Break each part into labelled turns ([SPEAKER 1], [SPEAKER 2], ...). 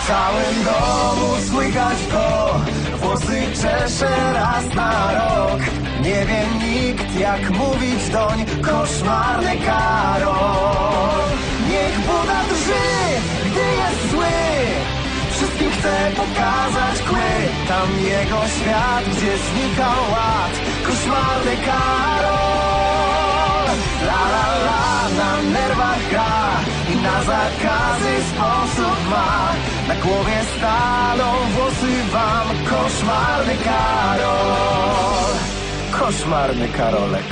[SPEAKER 1] W całym domu słychać go, włosy czesze raz na rok. Nie wie nikt, jak mówić doń, koszmarny Karol. Niech Buda drży, gdy jest zły, wszystkim chce pokazać kły. Tam jego świat, gdzie znika ład, koszmarny Karol. La la la, na nerwach gra i na zakazy sposób ma. Na głowie staną włosy wam, koszmarny Karol. Koszmarny Karolek.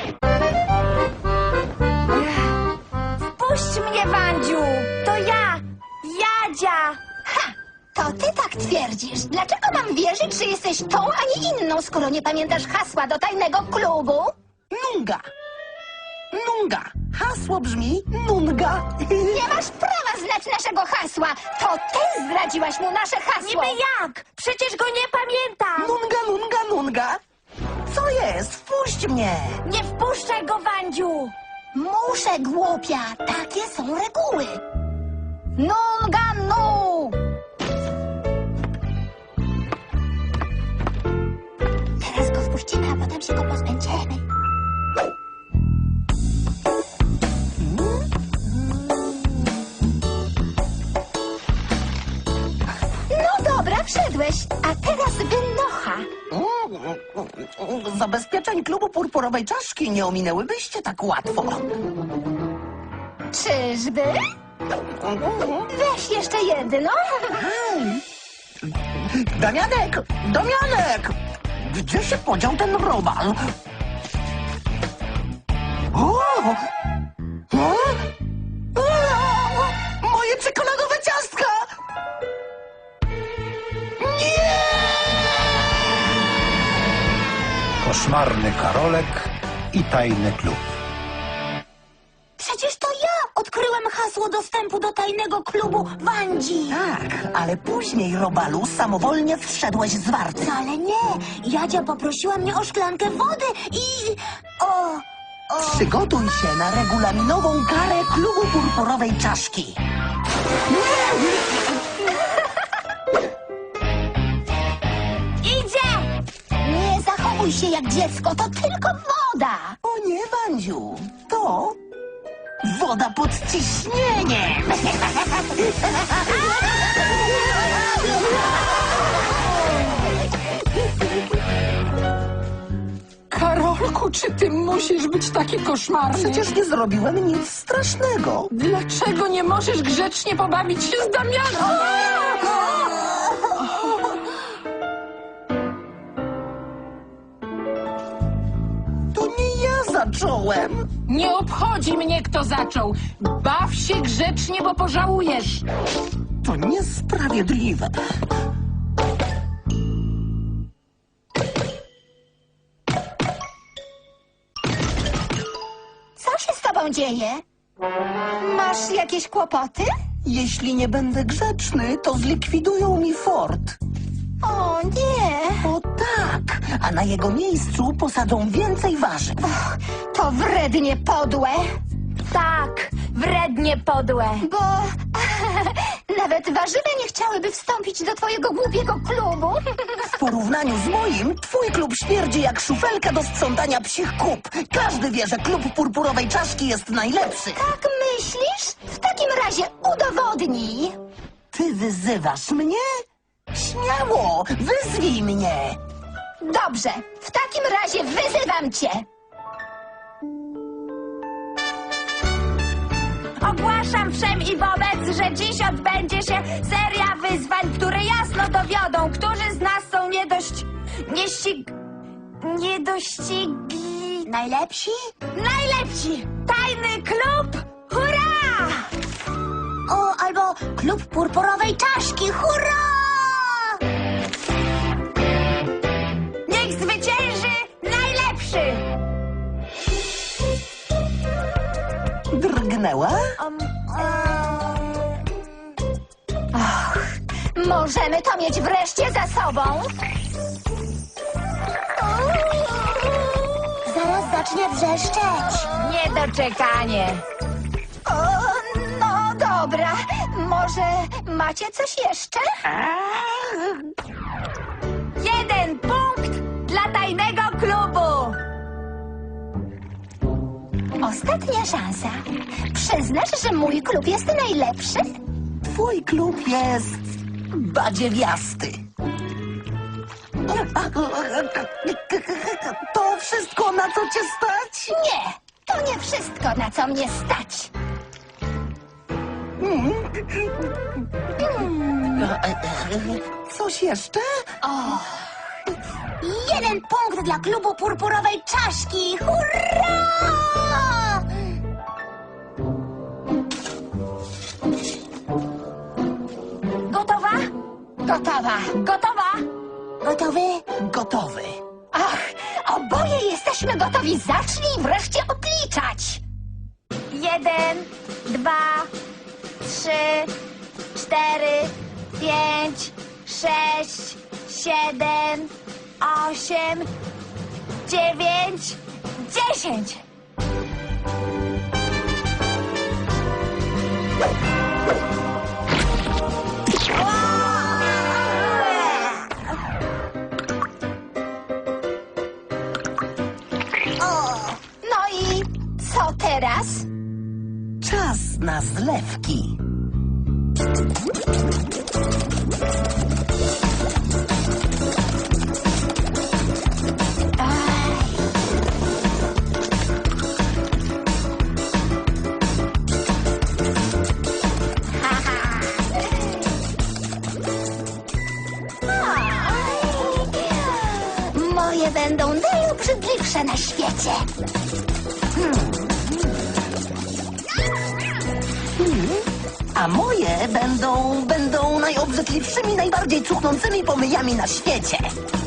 [SPEAKER 2] Wpuść mnie, Wandziu! To ja! Jadzia!
[SPEAKER 3] Ha! To ty tak twierdzisz. Dlaczego mam wierzyć, że jesteś tą, a nie inną, skoro nie pamiętasz hasła do tajnego klubu?
[SPEAKER 4] Nunga. Nunga. Hasło brzmi Nunga.
[SPEAKER 3] Nie masz prawa znać naszego hasła. To ty zdradziłaś mu nasze hasło.
[SPEAKER 2] Niby jak? Przecież go nie pamiętam!
[SPEAKER 4] Nunga, nunga, nunga. Co jest? Wpuść mnie.
[SPEAKER 2] Nie wpuszczaj go, Wandziu!
[SPEAKER 3] Muszę, głupia. Takie są reguły. Nunga, nu! Teraz go wpuścimy, a potem się go pozbędziemy. No dobra, wszedłeś. A teraz wynocha.
[SPEAKER 4] Zabezpieczeń klubu Purpurowej Czaszki nie ominęłybyście tak łatwo.
[SPEAKER 3] Czyżby? Weź jeszcze jedno.
[SPEAKER 4] Damianek! Damianek! Gdzie się podział ten robal? O! O! O! Moje czekoladowe ciastka! Nie!
[SPEAKER 1] Koszmarny Karolek i tajny klub.
[SPEAKER 3] Przecież to ja odkryłem hasło dostępu do tajnego klubu Wandzi.
[SPEAKER 4] Tak, ale później, Robalu, samowolnie wszedłeś z warty.
[SPEAKER 3] Wcale nie. Jadzia poprosiła mnie o szklankę wody i...
[SPEAKER 4] Przygotuj się na regulaminową karę klubu Purpurowej Czaszki.
[SPEAKER 2] Idzie!
[SPEAKER 3] Nie zachowuj się jak dziecko, to tylko woda.
[SPEAKER 4] O nie, Wandziu, to woda pod ciśnieniem.
[SPEAKER 5] Karolku, czy ty musisz być taki koszmarny?
[SPEAKER 4] Przecież nie zrobiłem nic strasznego.
[SPEAKER 5] Dlaczego nie możesz grzecznie pobawić się z Damianem?
[SPEAKER 4] To nie ja zacząłem.
[SPEAKER 5] Nie obchodzi mnie, kto zaczął. Baw się grzecznie, bo pożałujesz.
[SPEAKER 4] To niesprawiedliwe.
[SPEAKER 3] Co się z tobą dzieje? Masz jakieś kłopoty?
[SPEAKER 4] Jeśli nie będę grzeczny, to zlikwidują mi fort.
[SPEAKER 3] O nie.
[SPEAKER 4] O tak, a na jego miejscu posadzą więcej warzyw.
[SPEAKER 3] To wrednie podłe,
[SPEAKER 2] Tak, wrednie podłe.
[SPEAKER 3] bo nawet warzywa nie chciałyby wstąpić do twojego głupiego klubu.
[SPEAKER 4] W porównaniu z moim, twój klub śmierdzi jak szufelka do sprzątania psich kup. Każdy wie, że klub Purpurowej Czaszki jest najlepszy.
[SPEAKER 3] Tak myślisz? W takim razie udowodnij.
[SPEAKER 4] Ty wyzywasz mnie? Śmiało, wyzwij mnie.
[SPEAKER 3] Dobrze, w takim razie wyzywam cię.
[SPEAKER 2] Ogłaszam wszem i wobec, że dziś odbędzie się seria wyzwań, które jasno dowiodą, którzy z nas są niedościgli.
[SPEAKER 3] Najlepsi?
[SPEAKER 2] Najlepsi! Tajny klub! Hurra!
[SPEAKER 3] O, albo klub Purpurowej Czaszki, hurra!
[SPEAKER 2] Niech zwycięży najlepszy!
[SPEAKER 4] Drgnęła?
[SPEAKER 3] Możemy to mieć wreszcie za sobą. Zaraz zacznie wrzeszczeć.
[SPEAKER 2] Niedoczekanie.
[SPEAKER 3] O, no dobra, Macie coś jeszcze?
[SPEAKER 2] 1 punkt dla tajnego klubu.
[SPEAKER 3] Ostatnia szansa. Przyznasz, że mój klub jest najlepszy?
[SPEAKER 4] Twój klub jest badziewiasty. To wszystko, na co cię stać?
[SPEAKER 3] Nie, to nie wszystko, na co mnie stać.
[SPEAKER 4] Coś jeszcze?
[SPEAKER 3] 1 punkt dla klubu purpurowej czaszki. Hurra!
[SPEAKER 2] Gotowa?
[SPEAKER 3] Gotowa.
[SPEAKER 2] Gotowa?
[SPEAKER 3] Gotowy?
[SPEAKER 4] Gotowy.
[SPEAKER 3] Ach, oboje jesteśmy gotowi. Zacznij wreszcie odliczać.
[SPEAKER 2] 1, 2, 3, 4, 5, 6, 7, 8, 9, 10.
[SPEAKER 3] No i co teraz?
[SPEAKER 4] Czas na zlewki.
[SPEAKER 3] Moje będą najobrzydliwsze na świecie.
[SPEAKER 4] A moje będą najobrzydliwszymi, najbardziej cuchnącymi pomyjami na świecie.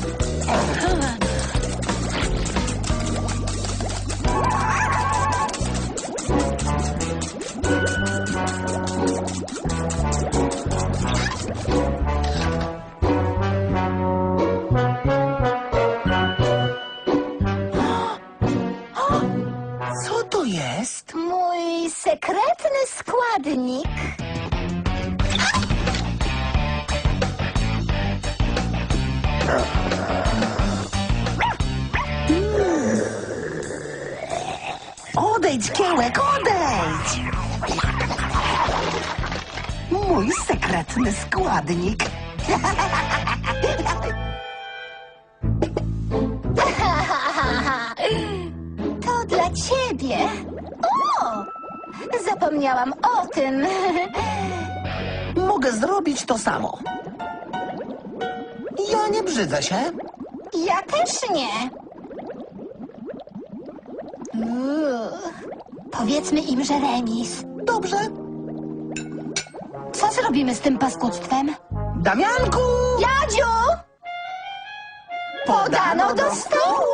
[SPEAKER 4] Co to jest?
[SPEAKER 3] Mój sekretny składnik.
[SPEAKER 4] Odejdź, Kiełek, odejdź! Mój sekretny składnik.
[SPEAKER 3] To dla ciebie. O! Zapomniałam o tym.
[SPEAKER 4] Mogę zrobić to samo. Ja nie brzydzę się.
[SPEAKER 3] Ja też nie. Powiedzmy im, że remis.
[SPEAKER 4] Dobrze.
[SPEAKER 3] Co zrobimy z tym paskudztwem?
[SPEAKER 4] Damianku!
[SPEAKER 3] Jadziu! Podano do stołu!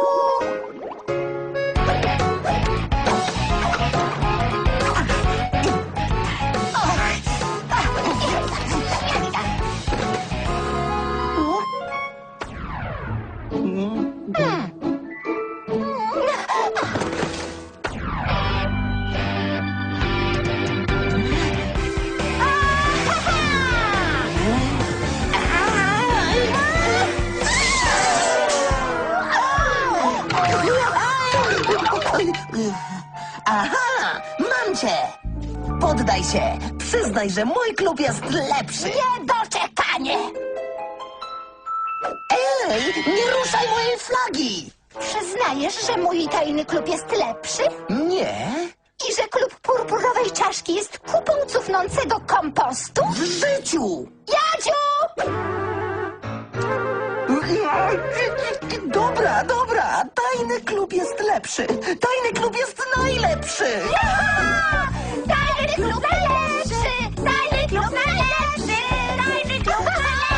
[SPEAKER 4] Aha! Mam cię! Poddaj się! Przyznaj, że mój klub jest lepszy!
[SPEAKER 3] Niedoczekanie!
[SPEAKER 4] Ej! Nie ruszaj mojej flagi!
[SPEAKER 3] Przyznajesz, że mój tajny klub jest lepszy?
[SPEAKER 4] Nie!
[SPEAKER 3] I że klub purpurowej czaszki jest kupą cufnącego kompostu?
[SPEAKER 4] W życiu!
[SPEAKER 3] Jadziu!
[SPEAKER 4] Dobra, dobra! Tajny klub jest lepszy! Tajny klub jest najlepszy!
[SPEAKER 3] Tajny klub najlepszy! Tajny klub najlepszy! Tajny klub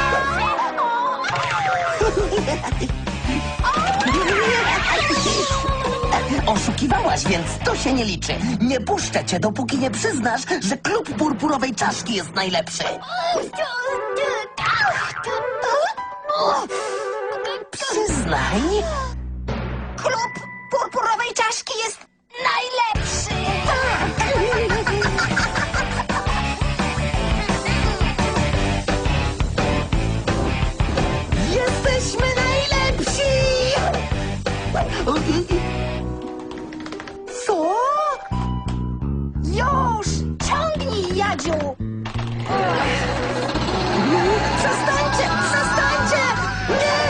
[SPEAKER 4] Oszukiwałaś, więc to się nie liczy. Nie puszczę cię, dopóki nie przyznasz, że klub purpurowej czaszki jest najlepszy. Przyznaj.
[SPEAKER 3] Klub purpurowej czaszki jest najlepszy! Bodziu!
[SPEAKER 4] Przestańcie! Przestańcie! Nie!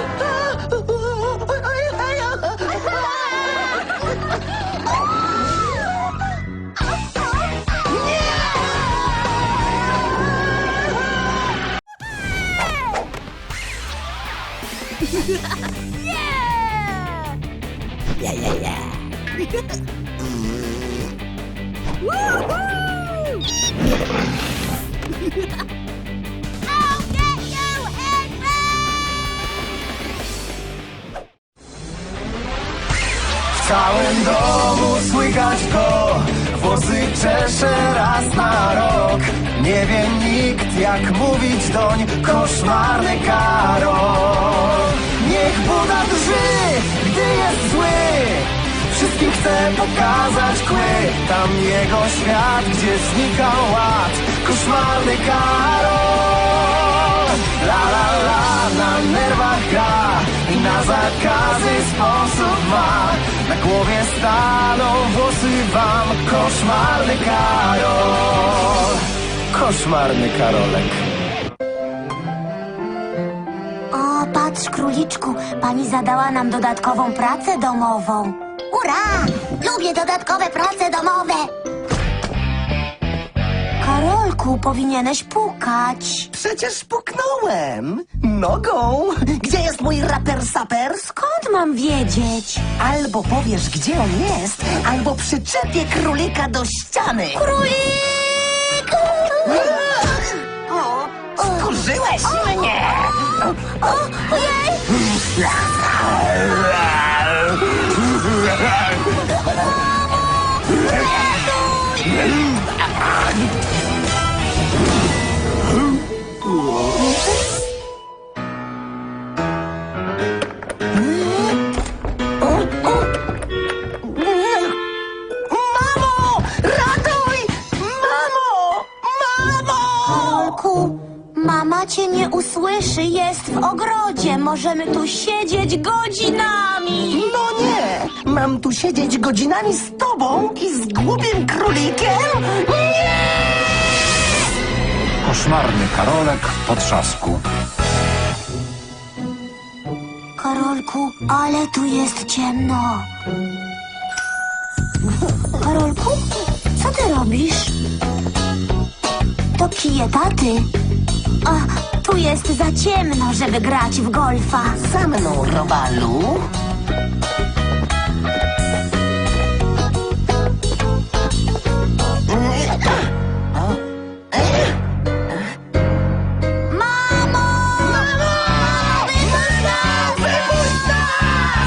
[SPEAKER 1] W całym domu słychać go, włosy czesze raz na rok. Nie wie nikt jak mówić doń, koszmarny Karol. Niech Buda drży, gdy jest zły, wszystkim chce pokazać kły. Tam jego świat, gdzie znika ład, koszmarny Karol. La la la, na nerwach gra i na zakazy sposób ma. Na głowie staną włosy wam, koszmarny Karol. Koszmarny Karolek.
[SPEAKER 2] O, patrz, króliczku, pani zadała nam dodatkową pracę domową. Ura! Lubię dodatkowe prace domowe. Karolku, powinieneś pukać.
[SPEAKER 4] Przecież puknąłem! Nogą! Gdzie jest mój raper saper?
[SPEAKER 2] Skąd mam wiedzieć?
[SPEAKER 4] Albo powiesz, gdzie on jest, albo przyczepię królika do ściany!
[SPEAKER 2] Królik!
[SPEAKER 4] Skurzyłeś mnie!
[SPEAKER 2] Ojej!
[SPEAKER 4] Mamo! Ratuj! Mamo! Mamo!
[SPEAKER 2] Karolku, mama cię nie usłyszy, jest w ogrodzie. Możemy tu siedzieć godzinami.
[SPEAKER 4] No nie! Mam tu siedzieć godzinami z tobą i z głupim królikiem? Nie!
[SPEAKER 6] Koszmarny Karolek po trzasku.
[SPEAKER 2] Karolku, ale tu jest ciemno. Karolku, co ty robisz? To kije taty. A, tu jest za ciemno, żeby grać w golfa.
[SPEAKER 4] Za mną, Robalu.
[SPEAKER 2] Mamo! Mamo! Wypuść nas! Wypuść nas!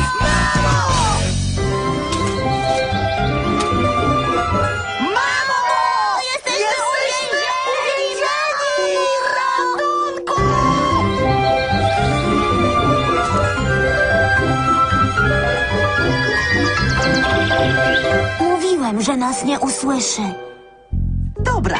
[SPEAKER 2] Mamo! Jesteśmy uwięzieni!
[SPEAKER 4] Ratunku!
[SPEAKER 2] Mówiłem, że nas nie usłyszy.
[SPEAKER 4] Dobra.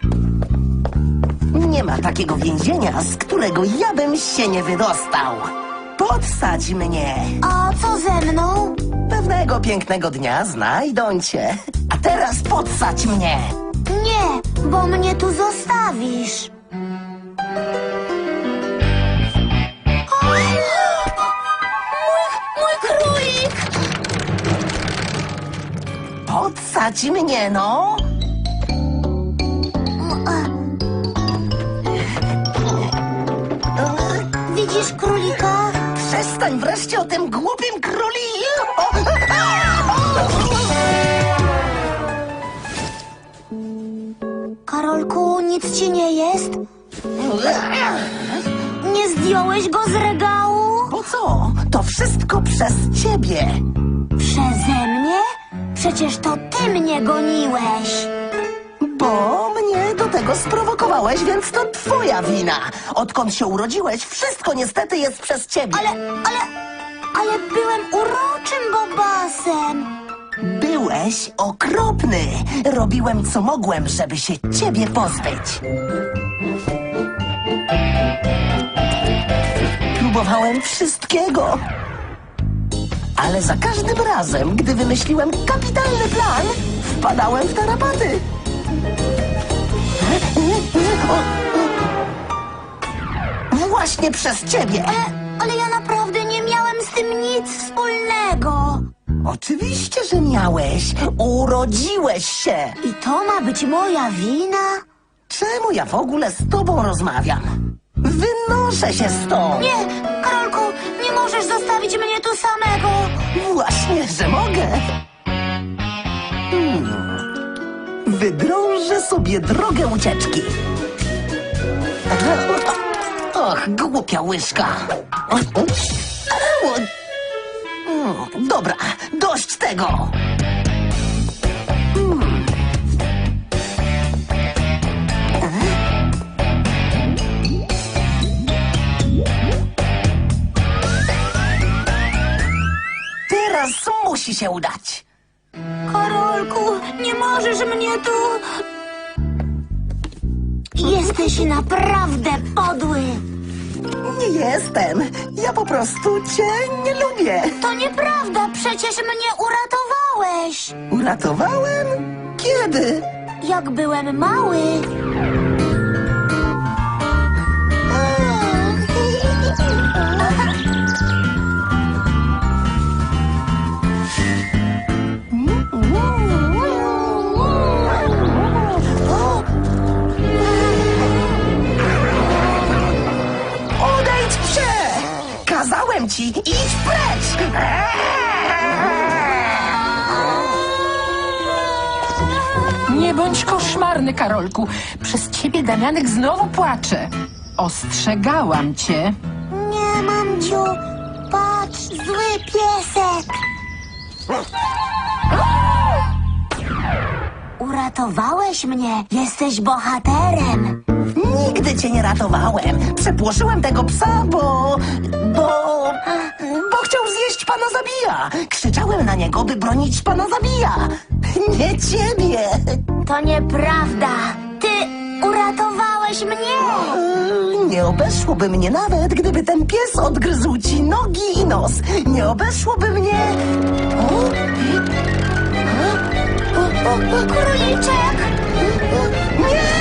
[SPEAKER 4] Nie ma takiego więzienia, z którego ja bym się nie wydostał. Podsadź mnie.
[SPEAKER 2] A co ze mną?
[SPEAKER 4] Pewnego pięknego dnia znajdą cię. A teraz podsadź mnie.
[SPEAKER 2] Nie, bo mnie tu zostawisz. O, mój królik!
[SPEAKER 4] Podsadź mnie, no.
[SPEAKER 2] Widzisz królika?
[SPEAKER 4] Przestań wreszcie o tym głupim króliku.
[SPEAKER 2] Karolku, nic ci nie jest? Nie zdjąłeś go z regału?
[SPEAKER 4] Po co? To wszystko przez ciebie.
[SPEAKER 2] Przeze mnie? Przecież to ty mnie goniłeś.
[SPEAKER 4] Bo mnie do tego sprowokowałeś, więc to twoja wina. Odkąd się urodziłeś, wszystko niestety jest przez ciebie.
[SPEAKER 2] Ale byłem uroczym bobasem.
[SPEAKER 4] Byłeś okropny. Robiłem co mogłem, żeby się ciebie pozbyć. Próbowałem wszystkiego. Ale za każdym razem, gdy wymyśliłem kapitalny plan, wpadałem w tarapaty. właśnie przez ciebie.
[SPEAKER 2] Ale ja naprawdę nie miałem z tym nic wspólnego.
[SPEAKER 4] Oczywiście, że miałeś. Urodziłeś się.
[SPEAKER 2] I to ma być moja wina?
[SPEAKER 4] Czemu ja w ogóle z tobą rozmawiam? Wynoszę się stąd.
[SPEAKER 2] Nie, Karolku, nie możesz zostawić mnie tu samego.
[SPEAKER 4] Właśnie, że mogę. Wydrążę sobie drogę ucieczki. Och, głupia łyżka. Dobra, dość tego. Teraz musi się udać.
[SPEAKER 2] Karolku, nie możesz mnie tu... Jesteś naprawdę podły.
[SPEAKER 4] Nie jestem. Ja po prostu cię nie lubię.
[SPEAKER 2] To nieprawda, przecież mnie uratowałeś.
[SPEAKER 4] Uratowałem? Kiedy?
[SPEAKER 2] Jak byłem mały.
[SPEAKER 4] Odejdź się! Kazałem ci, idź precz!
[SPEAKER 5] Nie bądź koszmarny, Karolku. Przez ciebie Damianek znowu płacze. Ostrzegałam cię.
[SPEAKER 2] Nie, mamciu, patrz, zły piesek. Uratowałeś mnie, jesteś bohaterem.
[SPEAKER 4] Nigdy cię nie ratowałem. Przepłoszyłem tego psa, bo chciał zjeść pana Zabija. Krzyczałem na niego, by bronić pana Zabija. Nie ciebie.
[SPEAKER 2] To nieprawda. Ty uratowałeś mnie.
[SPEAKER 4] Nie obeszłoby mnie nawet, gdyby ten pies odgryzł ci nogi i nos. Nie obeszłoby mnie...
[SPEAKER 2] Króliczek.
[SPEAKER 4] Nie!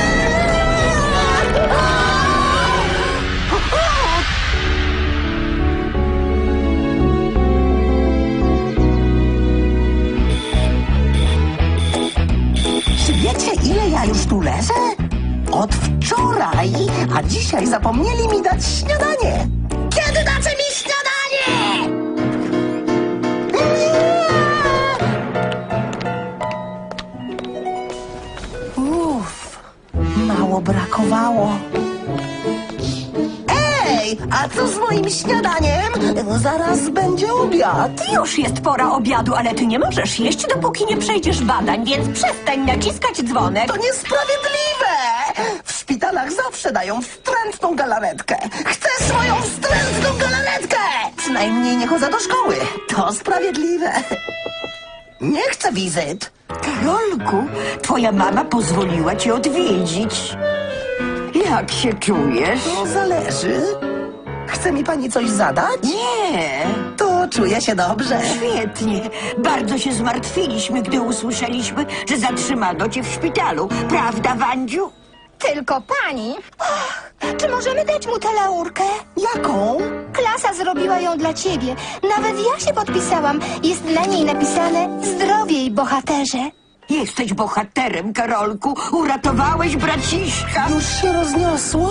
[SPEAKER 4] Czy wiecie, ile ja już tu leżę? Od wczoraj, a dzisiaj zapomnieli mi dać śniadanie. Kiedy dacie mi śniadanie? Uff, mało brakowało. Ej, a co z moim śniadaniem? Zaraz będzie obiad.
[SPEAKER 7] Już jest pora obiadu, ale ty nie możesz jeść, dopóki nie przejdziesz badań, więc przestań naciskać dzwonek.
[SPEAKER 4] To niesprawiedliwe! W szpitalach zawsze dają wstrętną galaretkę. Chcę swoją wstrętną galaretkę! Przynajmniej nie chodzę do szkoły. To sprawiedliwe. Nie chcę wizyt.
[SPEAKER 7] Karolku, twoja mama pozwoliła cię odwiedzić. Jak się czujesz?
[SPEAKER 4] To zależy. Chce mi pani coś zadać?
[SPEAKER 7] Nie,
[SPEAKER 4] To czuję się dobrze.
[SPEAKER 7] świetnie. Bardzo się zmartwiliśmy, gdy usłyszeliśmy, że zatrzymano cię w szpitalu. Prawda, Wandziu?
[SPEAKER 3] Tylko pani. Czy możemy dać mu tę laurkę?
[SPEAKER 4] Jaką?
[SPEAKER 3] Klasa zrobiła ją dla ciebie. Nawet ja się podpisałam. Jest na niej napisane zdrowiej, bohaterze.
[SPEAKER 7] Jesteś bohaterem, Karolku. Uratowałeś braciszka.
[SPEAKER 4] Już się rozniosło?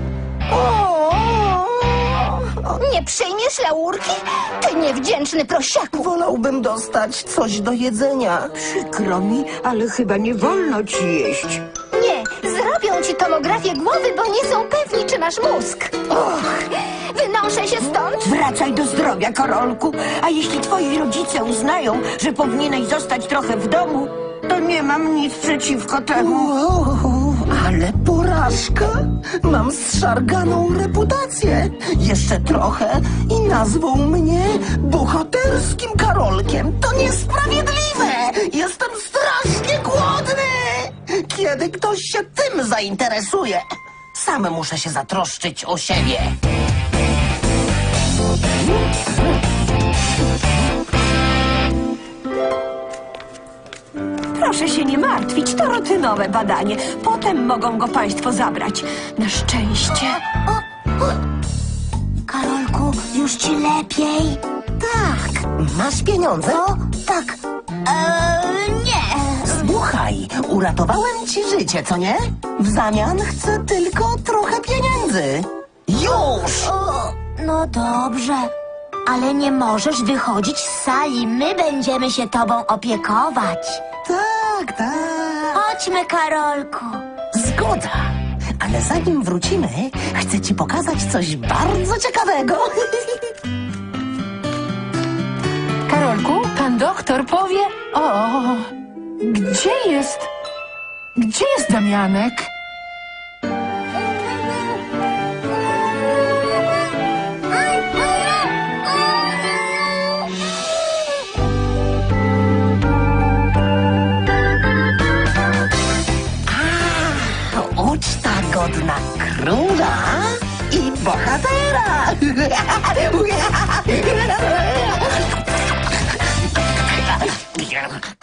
[SPEAKER 3] Nie przyjmiesz laurki? Ty niewdzięczny prosiaku.
[SPEAKER 4] Wolałbym dostać coś do jedzenia.
[SPEAKER 7] Przykro mi, ale chyba nie wolno ci jeść.
[SPEAKER 3] Nie, zrobią ci tomografię głowy, bo nie są pewni, czy masz mózg. Wynoszę się stąd.
[SPEAKER 7] Wracaj do zdrowia, Karolku. A jeśli twoi rodzice uznają, że powinieneś zostać trochę w domu, to nie mam nic przeciwko temu.
[SPEAKER 4] Wow, ale porażka! Mam zszarganą reputację. Jeszcze trochę i nazwą mnie bohaterskim Karolkiem. To niesprawiedliwe! Jestem strasznie głodny! Kiedy ktoś się tym zainteresuje, sam muszę się zatroszczyć o siebie.
[SPEAKER 7] Proszę się nie martwić, to rutynowe badanie. Potem mogą go państwo zabrać. Na szczęście.
[SPEAKER 2] już ci lepiej?
[SPEAKER 4] Tak, masz pieniądze?
[SPEAKER 2] O, tak. Nie.
[SPEAKER 4] Słuchaj, uratowałem ci życie, co nie? W zamian chcę tylko trochę pieniędzy. Już!
[SPEAKER 2] O, no dobrze, ale nie możesz wychodzić z sali. My będziemy się tobą opiekować.
[SPEAKER 4] Tak, tak.
[SPEAKER 2] Chodźmy, Karolku.
[SPEAKER 4] Zgoda. Ale zanim wrócimy, chcę ci pokazać coś bardzo ciekawego.
[SPEAKER 5] Karolku, pan doktor powie... O, gdzie jest... Gdzie jest Damianek?
[SPEAKER 4] Uczta godna króla i bohatera.